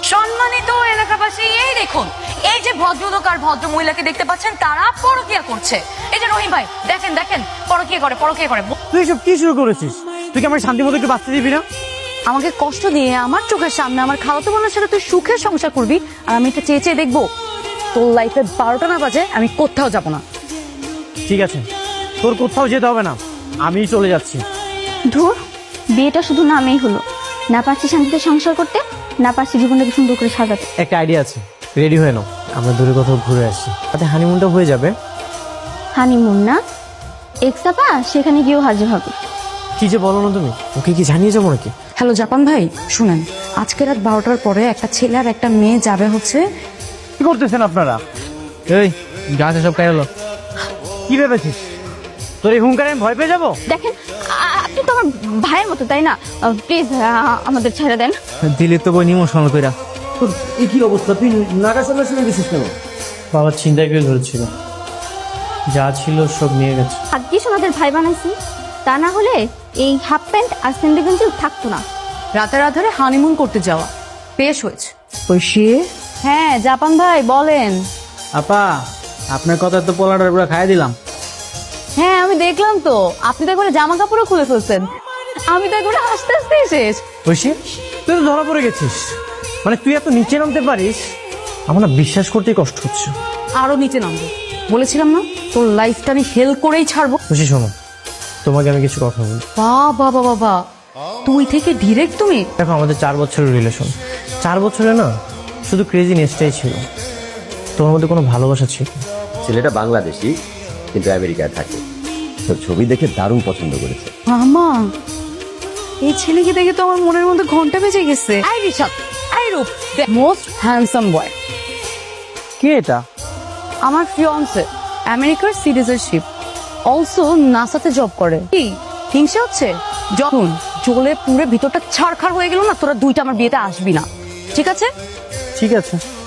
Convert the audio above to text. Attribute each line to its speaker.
Speaker 1: সম্মানিত এলাকাবাসী, এই দেখুন, এই যে ভদ্রলোক আর ভদ্র মহিলাকে দেখতে পাচ্ছেন, তারা পরকীয়া করছে। এই যে রহিম ভাই, দেখেন দেখেন, পরকীয়া করে, পরকীয়া করে।
Speaker 2: তুই সব কি শুরু করেছিস? তুই কি আমার শান্তি মতো একটু বাঁচতে দিবি না?
Speaker 1: আমাকে কষ্ট দিয়ে আমার চোখের সামনে আমার খালাতো বোনের সাথে তুই সুখের সংসার করবি, আর আমি এটা চেয়ে চেয়ে দেখবো? তোর লাইফে 12টা না বাজে আমি কোথাও যাব না।
Speaker 2: ঠিক আছে, তোর কোথাও যেতে হবে না, আমি চলে যাচ্ছি।
Speaker 3: ধুর, বিয়েটা শুধু নামেই হলো, না পারছি শান্তিতে সংসার করতে, না পারছি জীবনটাকে সুন্দর করে সাজাতে।
Speaker 4: একটা আইডিয়া আছে, রেডি হয়ে নাও, আমরা দূরে কোথাও ঘুরে আসছি, তাতে হানিমুনটা হয়ে যাবে।
Speaker 3: হানিমুন না, এক্সাপা সেখানে গিয়েও হাজির হবে।
Speaker 4: কি যে বলো না তুমি, ওকে কি জানিয়ে যাবো নাকি?
Speaker 1: হ্যালো জাপান ভাই, শুনেন, আজকে রাত 12টার পরে একটা ছেলে আর একটা মেয়ে যাবে হচ্ছে।
Speaker 2: কি করতেছেন আপনারা?
Speaker 4: এই গাছে সব খাইলো।
Speaker 2: কি ভেবেছিস তোর এই হুঙ্কারে আমি ভয় পেয়ে যাবো?
Speaker 3: দেখেন, আপনি তো আমার ভাইয়ের মতো, তাই না? প্লিজ আমাদের ছেড়ে দেন।
Speaker 4: দিলে তো বই ইমোশনাল কইরা।
Speaker 2: তোর এই কি অবস্থা? তুই নাগা সামনে শুনে গেছিস কেন?
Speaker 4: বাবা চিন্তায় করে ধরেছিল, যা ছিল সব নিয়ে গেছে।
Speaker 3: ভাগ্যিস ওনাদের ভাই বানাইছি, তা না হলে এই হাফ প্যান্ট আর স্যান্ডেল গেঞ্জি থাকতো না।
Speaker 1: রাতের আধারে হানিমুন করতে যাওয়া বেশ হয়েছে। ঐশী, হ্যাঁ জাপান ভাই বলেন।
Speaker 4: আপা, আপনার কথা তো পোলাটার পুরো খাইয়ে দিলাম।
Speaker 1: হ্যাঁ আমি দেখলাম তো, আপনি তো একবারে জামা কাপড়ও খুলে ফেলছেন, আমি তো একবারে হাসতে হাসতে শেষ।
Speaker 2: ঐশী, তুই তো ধরা পড়ে গেছিস, মানে তুই এত নিচে নামতে পারিস, আমার না বিশ্বাস করতেই কষ্ট হচ্ছে।
Speaker 1: আরো নিচে নামবো বলেছিলাম না, তোর লাইফটা আমি হেল করেই ছাড়বো।
Speaker 4: খুশি, শোনো, তোমাকে আমি কিছু কথা বলি।
Speaker 1: বাবা বাবা বাবা, তুই থেকে ডিরেক্ট তুমি?
Speaker 4: দেখো, আমাদের 4 বছরের রিলেশন, 4 বছরে না শুধু ক্রেজিনেসটাই ছিল, তোমার মধ্যে কোনো ভালোবাসা ছিল না।
Speaker 5: ছেলেটা বাংলাদেশি কিন্তু আমেরিকায় থাকে। তোর ছবি দেখে দারুণ পছন্দ করেছে।
Speaker 1: মামা, এই ছেলেকে দেখে তো আমার মনের মধ্যে ঘন্টা বেজে গেছে। I Rishad, I Rup, most handsome boy.
Speaker 2: কে এটা?
Speaker 1: আমার ফিয়ান্সে, আমেরিকার সিটিজেনশিপ, অলসো নাসাতে জব করে। কি হিংসা হচ্ছে? যখন জ্বলে পুরে ভিতরটা ছাড়খাড় হয়ে গেল না, তোরা দুইটা আমার বিয়েতে আসবি না, ঠিক আছে?
Speaker 4: ঠিক আছে।